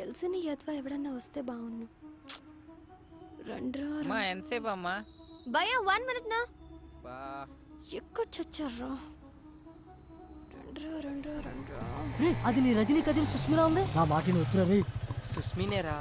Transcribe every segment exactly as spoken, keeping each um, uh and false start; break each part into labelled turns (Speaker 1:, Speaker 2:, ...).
Speaker 1: తెలిసిన యద్వా ఎవడన్నా వస్తే బాగున్ను. రండ్రా
Speaker 2: అమ్మా ఎంతసేపు అమ్మా?
Speaker 1: భయ్యా వన్ మినిట్ నా.
Speaker 2: బా
Speaker 1: ఎక్కడ చచ్చారా? రండ్రా రండ్రా రండ్రా.
Speaker 3: రే అది నీ రజనీ కజిన్ సుస్మిరా ఉంది. నా మాట వద్దురా రే.
Speaker 4: సుస్మినేరా?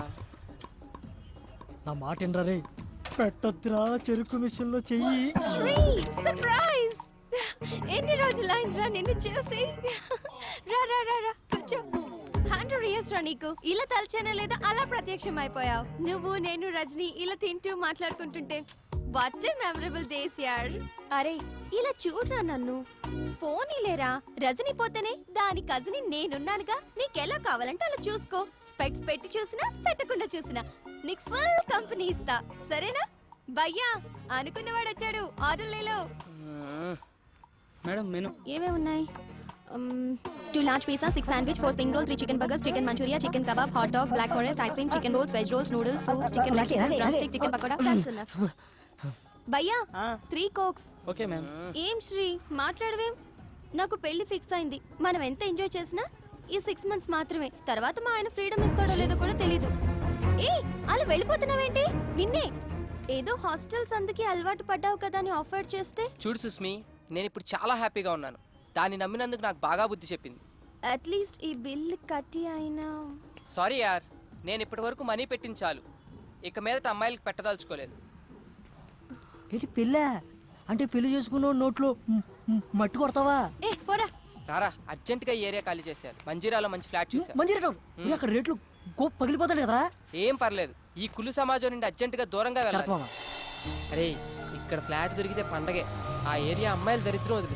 Speaker 3: నా మాట ఏంట్రా రే. పెట్టొద్దురా చెరుకు మిషన్ లో చెయ్యి.
Speaker 1: సర్ప్రైజ్! ఎన్ని రోజులైందిరా నిన్ను చూసి. రా రా రా రా కూర్చో. హండ్రెడ్ ఇయర్స్ రా నీకు. ఇలా తలచానే లేదా అలా ప్రత్యక్షం అయిపోయావు. నువ్వు నేను రజనీ ఇలా తింటూ మాట్లాడుకుంటుంటే వాట్ ఏ మెమరబుల్ డేస్ యార్. అరే ఇలా చూడరా నన్ను. పోనీలేరా, రజనీ పోతేనే దాని కజిన్ నేనున్నానుగా. నీకెలా కావాలంటే అలా చూసుకో. స్పెక్ట్స్ పెట్టి చూసినా పెట్టకుండా చూసినా నీకు ఫుల్ కంపెనీ ఇస్తా, సరేనా? భయ్యా అనుకున్నవాడు వచ్చాడు, ఆర్డర్ లేలో.
Speaker 2: మేడం మెను
Speaker 1: ఏమేమి ఉన్నాయి? Two large pizza, six sandwich, four spring roll, three chicken burgers, chicken manchurian, chicken kebab, hot dog, black forest, ice cream, chicken rolls, veg rolls, noodles, soup, chicken leg piece, drumstick, chicken pakoda. That's enough. భయ్యా three cokes.
Speaker 2: Okay ma'am.
Speaker 1: ఏం శ్రీ మాట్లాడవేం? నాకు పెళ్లి fix అయింది. మనం ఎంత enjoy చేసినా ఈ six months మాత్రమే. తర్వాత మా ఆయన ఫ్రీడమ్ ఇస్తాడో లేదో కూడా తెలీదు. ఏ అలా వెళ్ళిపోతున్నావేంటి? నిన్నే ఏదో హాస్టల్స్ అందుకే అలవాటు పడ్డావు కదా అని ఆఫర్ చేస్తే.
Speaker 4: చూడు సుస్మి, నేను ఇప్పుడు చాలా హ్యాపీగా ఉన్నాను. దాన్ని నమ్మినందుకు నాకు బాగా బుద్ధి చెప్పింది.
Speaker 1: అట్లీస్ట్ ఈ బిల్ కట్టి అయినా.
Speaker 4: సారీ యార్, నేను ఇప్పటి వరకు మనీ పెట్టింది చాలు. ఇక మీదట అమ్మాయిలకి పెట్టదలుచుకోలేదు.
Speaker 3: ఏంటి పెళ్ళా? అంటే పెళ్లి చేసుకున్న నోట్లో మట్టి కొడతావా?
Speaker 1: ఏ పోరా.
Speaker 4: రారా, అర్జెంటుగా ఈ ఏరియా ఖాళీ చేశారు. మంజీరాలో మంచి ఫ్లాట్ చూశారు.
Speaker 3: మంచి రేట్ అక్కడ రేట్లు గోప్ పగిలిపోతాడు కదరా.
Speaker 4: ఏం పర్లేదు, ఈ కులు సమాజం నుండి అర్జెంటుగా దూరంగా వెళ్ళాలి.
Speaker 3: కరెక్ట్.
Speaker 4: అరే ఇక్కడ ఫ్లాట్ దొరికితే పండగే. ఆ ఏరియా అమ్మాయిల దరిద్రం వదిలి.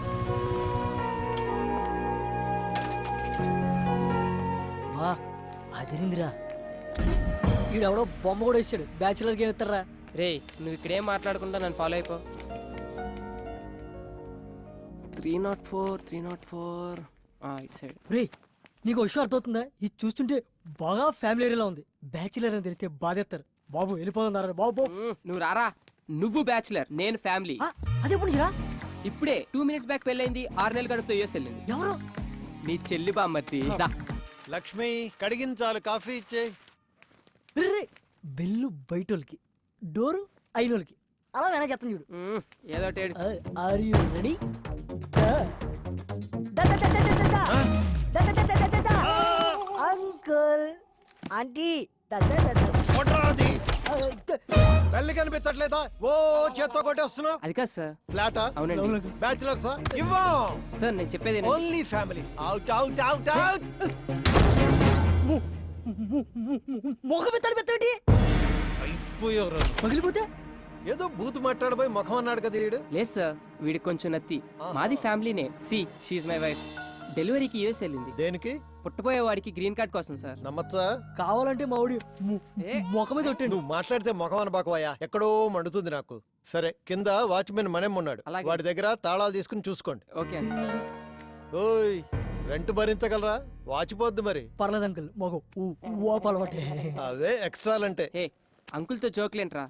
Speaker 3: వా అదిరిందిరా. ఈడెవడో బొమ్మ కూడా ఇచ్చాడు. బ్యాచులర్ గేమ్ ఇస్తారా?
Speaker 4: రే నువ్వు ఇక్కడేం మాట్లాడకుండా నన్ను ఫాలో అయిపో. Three not four three not four it side.
Speaker 3: రే నీకు విషయం అర్థమవుతుందా? ఇది చూస్తుంటే బాగా ఫ్యామిలీ ఏరియాలో ఉంది. బ్యాచులర్ అని తెలిస్తే బాధేస్తారు. బాబు వెళ్ళిపోతున్నారా బాబు.
Speaker 4: నువ్వు రారా. నువ్వు బ్యాచులర్, నేను ఫ్యామిలీ.
Speaker 3: అదే ఎప్పుడు రా.
Speaker 4: ఇప్పుడే టూ మినిట్స్ బ్యాక్ పెళ్ళైంది. ఆరు నెలల గడుపుతో యూఎస్ వెళ్ళింది.
Speaker 3: ఎవరు?
Speaker 4: నీ చెల్లి బామ్మర్తి.
Speaker 5: లక్ష్మి కడిగించాలి, కాఫీ ఇచ్చే.
Speaker 3: బెల్లు బయటోళ్ళకి, డోరు అయినోళ్ళకి. అలా మేనేజ్ చేస్తాను చూడు.
Speaker 4: ఏదో
Speaker 3: are you ready? Uncle aunty
Speaker 5: పెళ్లి కనిపించట్లేదా? ఓ చేత్తో కొట్టేస్తున్నావు.
Speaker 4: అది కాదు సార్.
Speaker 5: ఫ్లాటా?
Speaker 4: అవునండి.
Speaker 5: బ్యాచిలర్స్ ఇవ్వం.
Speaker 4: సార్ నేను చెప్పేది
Speaker 5: only families. Out out out out.
Speaker 3: మొఖం పెత్తాడు పెత్తాడు
Speaker 5: అయిపోయారు.
Speaker 3: పగిలిపోతే
Speaker 5: ఏదో బూత్ మాట్లాడబోయి ముఖం అన్నాడు కదా వీడు.
Speaker 4: లేదు సార్, వీడికి కొంచెం నత్తి. మాది ఫ్యామిలీనే. See she my wife. డెలివరీకి యూఎస్ వెళ్ళింది.
Speaker 5: దేనికి?
Speaker 4: పుట్టబోయే వాడికి గ్రీన్ కార్డ్ కోసం సార్.
Speaker 5: నమ్మచ్చా?
Speaker 3: కావాలంటే మా ఊడి ముఖం మీద కొట్టాడు.
Speaker 5: నువ్వు మాట్లాడితే ముఖం అనబాకవయ్యా, ఎక్కడో మండుతుంది నాకు. సరే కింద వాచ్మెన్ మనేం ఉన్నాడు, వాడి దగ్గర తాళాలు తీసుకుని చూసుకోండి.
Speaker 4: ఓకే.
Speaker 5: ఓయ్ రెంట్ భరించగలరా? వాచిపోద్ది మరి.
Speaker 3: పర్లేదు అంకుల్, మొగ అలవాటే.
Speaker 5: అవే ఎక్స్ట్రాలంటే.
Speaker 4: హే అంకుల్తో జోక్లేంట్రా.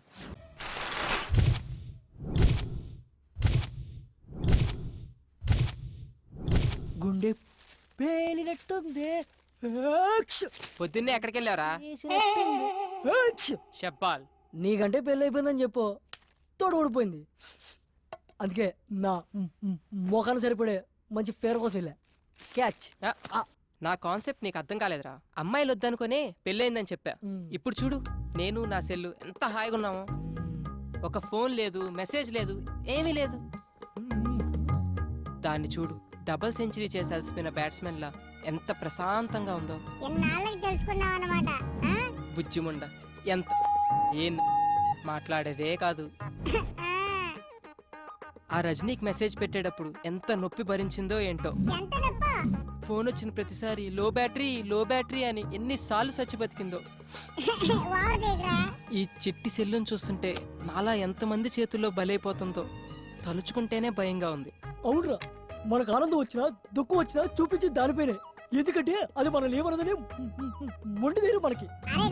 Speaker 3: గుండె పేలినట్టుంది.
Speaker 4: పొద్దున్నే ఎక్కడికి వెళ్ళావరా? షబ్బాల్.
Speaker 3: నీకంటే పెళ్ళి అయిపోయిందని చెప్పు. తోడు ఊడిపోయింది. అందుకే నా మొఖాన్ని సరిపడే మంచి ఫేర్ కోసం వెళ్ళా. క్యాచ్.
Speaker 4: నా కాన్సెప్ట్ నీకు అర్థం కాలేదురా. అమ్మాయిలు వద్దనుకునే పెళ్ళయిందని చెప్పా. ఇప్పుడు చూడు, నేను నా సెల్లు ఎంత హాయిగా ఉన్నామో. ఒక ఫోన్ లేదు, మెసేజ్ లేదు, ఏమీ లేదు. దాన్ని చూడు, డబుల్ సెంచరీ చేసి అలసిపోయిన బ్యాట్స్మెన్ లా ఎంత ప్రశాంతంగా ఉందో. బుజ్జిముండ ఎంత ఏం మాట్లాడేదే కాదు. ఆ రజనీకి మెసేజ్ పెట్టేటప్పుడు ఎంత నొప్పి భరించిందో ఏంటో. ఫోన్ వచ్చిన ప్రతిసారి లో బ్యాటరీ లో బ్యాటరీ అని ఎన్నిసార్లు చచ్చి బతికిందో. ఈ చిట్టి సెల్లును చూస్తుంటే నాలా ఎంతమంది చేతుల్లో బలైపోతుందో తలుచుకుంటేనే భయంగా ఉంది.
Speaker 3: అవునరా, మనకు ఆనందం వచ్చినా దుఃఖం వచ్చినా చూపించి దానిపైనే. ఎందుకంటే అది మనం ఏమన్నదని మొండి తీరు మనకి.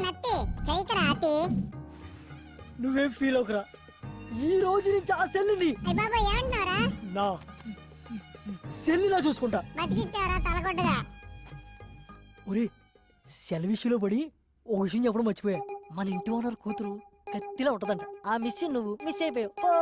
Speaker 3: నువ్వేం ఫీల్ అవుకరా. ఈ రోజు నుంచి ఆ సెల్లుని నా సెల్లులా చూసుకుంటా. ఒరే సెలవిష్యూలో పడి ఓ విషయం చెప్పడం మర్చిపోయా. మన ఇంటి ఓనర్ కూతురు కత్తిలా ఉంటదంట. ఆ మిస్ నువ్వు మిస్ అయిపోయావు.